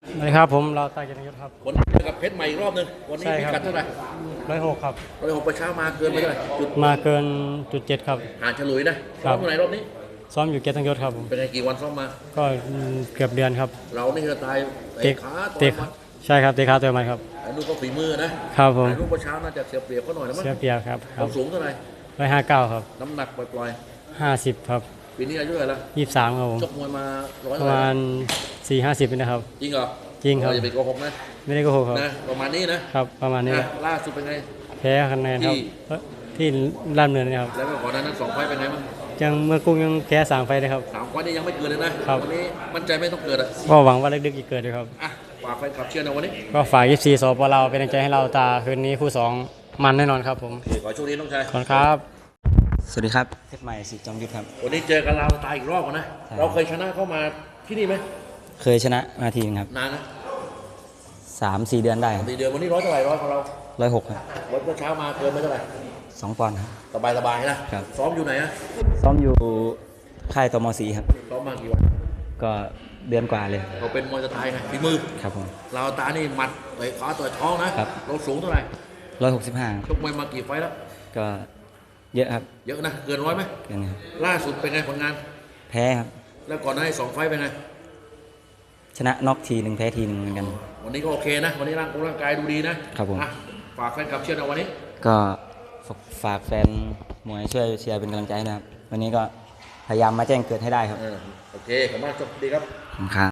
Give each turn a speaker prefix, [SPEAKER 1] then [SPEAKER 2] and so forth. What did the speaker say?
[SPEAKER 1] สวัสดีครับผมเราตาเกียรติยศครับ
[SPEAKER 2] วันนี้เจอกับเพชรใหม่อีกรอบหนึงวันนี้พิกัดเท่าไหร่
[SPEAKER 1] 106ครับ
[SPEAKER 2] 106ไปเช้ามาเกินไปเท่าไหร่จุด
[SPEAKER 1] มาเกิน.7ครับ
[SPEAKER 2] ห่างฉลุยนะซ้อมเมื่อไหร่รอบนี้
[SPEAKER 1] ซ้อมอยู่เกียรติยศครับผม
[SPEAKER 2] เป็นไงกี่วันซ้อมมา
[SPEAKER 1] ก็เกือบเดือนครับ
[SPEAKER 2] เรานี่คือตาย
[SPEAKER 1] เตะ
[SPEAKER 2] ขาต่
[SPEAKER 1] เตะ
[SPEAKER 2] อยมัด
[SPEAKER 1] ใช่ครับเตะขาต่อยมันครับ
[SPEAKER 2] ไอ้ลูกก็ฝีมือนะครับ
[SPEAKER 1] ผม
[SPEAKER 2] ไอ้ลูกเช้าน่าจะเสียเปรียบเขาหน่อยนะมั้ง
[SPEAKER 1] เสียเปรียบครับ
[SPEAKER 2] ความสูงเท่าไหร่
[SPEAKER 1] 159ครับ
[SPEAKER 2] น้ำหนักปล่อย
[SPEAKER 1] 50ครับ
[SPEAKER 2] ๆปีนี้อายุเท่าไหร่ละ
[SPEAKER 1] 23ครับผม
[SPEAKER 2] ชกมวยมาร้อย
[SPEAKER 1] ประมาณ4-50นี่นะครับ
[SPEAKER 2] จริงเหรอ
[SPEAKER 1] จริงครับ
[SPEAKER 2] อย่าไปโกหกนะ
[SPEAKER 1] ไม่ได้โกหกครับ
[SPEAKER 2] นะประมาณนี้นะครับ
[SPEAKER 1] ประมาณนี้
[SPEAKER 2] ล่าสุดเป็นไง
[SPEAKER 1] แพ้คะแนนครับที่ล่ามเนินนะครับ
[SPEAKER 2] แล้วก็ก่อนหน้านั้น2 ไฟต์เป็นไงบ้าง
[SPEAKER 1] ยังเมื่อกุ้งยังแพ้3 ไฟเลยครับ
[SPEAKER 2] 3 ไฟต์นี่ยังไม่เกินเลยนะครับวันนี้มั่นใจไม่ต้องเกิดอ่ะ
[SPEAKER 1] ก็หวังว่าลึกๆจะเกิดด้วยครับ
[SPEAKER 2] อ่ะฝากแฟนคลับเชียร์ในวันนี้
[SPEAKER 1] ก็ฝาก24สปเราเป็นกำลังใจให้เราตาคืนนี้คู่2มันแน่นอนครับผม
[SPEAKER 2] ขอโชคดีน้องชาย
[SPEAKER 1] ขอบคุณครับ
[SPEAKER 3] สวัสดีครับเพชรใหม่สิทธิ์จอมยุทธครับ
[SPEAKER 2] วันนี้เจอกันเราตายอีกรอบนะเราเคยชนะเข้ามาที่นี่ไหม
[SPEAKER 3] เคยชนะมาทีนึงครับ
[SPEAKER 2] นานนะ
[SPEAKER 3] 3-4 เดือนได้
[SPEAKER 2] 4 เดือนวันนี้ร้อยเท่าไหร่ร้อยของเรา
[SPEAKER 3] 106ครับ
[SPEAKER 2] วันเช้ามาเกินไปเท่าไหร่
[SPEAKER 3] 2 ปอนด์ครับ
[SPEAKER 2] สบายนะครับซ้อมอยู่ไหนอะ
[SPEAKER 3] ซ้อมอยู่ค่ายตม.4ครับ
[SPEAKER 2] ซ้อมมากี่วัน
[SPEAKER 3] ก็เดือนกว่าเลย
[SPEAKER 2] เราเป็นมวยสไตล์ไงฝีมือ
[SPEAKER 3] ครับผม
[SPEAKER 2] เราตานี่หมัดเตะขาต่อยท้องนะครับเราสูงเท่าไหร่
[SPEAKER 3] 165
[SPEAKER 2] ชกมวยมากี่ไฟต์แล้ว
[SPEAKER 3] ก็เยอะครับ
[SPEAKER 2] เยอะนะเกินร้อยไหม
[SPEAKER 3] เกินครับ
[SPEAKER 2] ล่าสุดเป็นไงผลงาน
[SPEAKER 3] แพ้ครับ
[SPEAKER 2] แล้วก่อนหน้านี้2 ไฟต์เป็นไง
[SPEAKER 3] ชนะน็อกทีหนึ่งแพ้ทีหนึ่งเหมือนกัน
[SPEAKER 2] วันนี้ก็โอเคนะวันนี้ร่างกายดูดีนะครับ
[SPEAKER 3] ผม
[SPEAKER 2] ฝากแฟนคลับเชียร์ในวันนี้
[SPEAKER 3] ก็ฝากแฟนมวยช่วยเชียร์เป็นกำลังใจนะครับวันนี้ก็พยายามมาแจ้งเกิดให้ได้ครับ
[SPEAKER 2] โอเคขอบคุณมากจบดีครับ
[SPEAKER 3] ขอบคุณครับ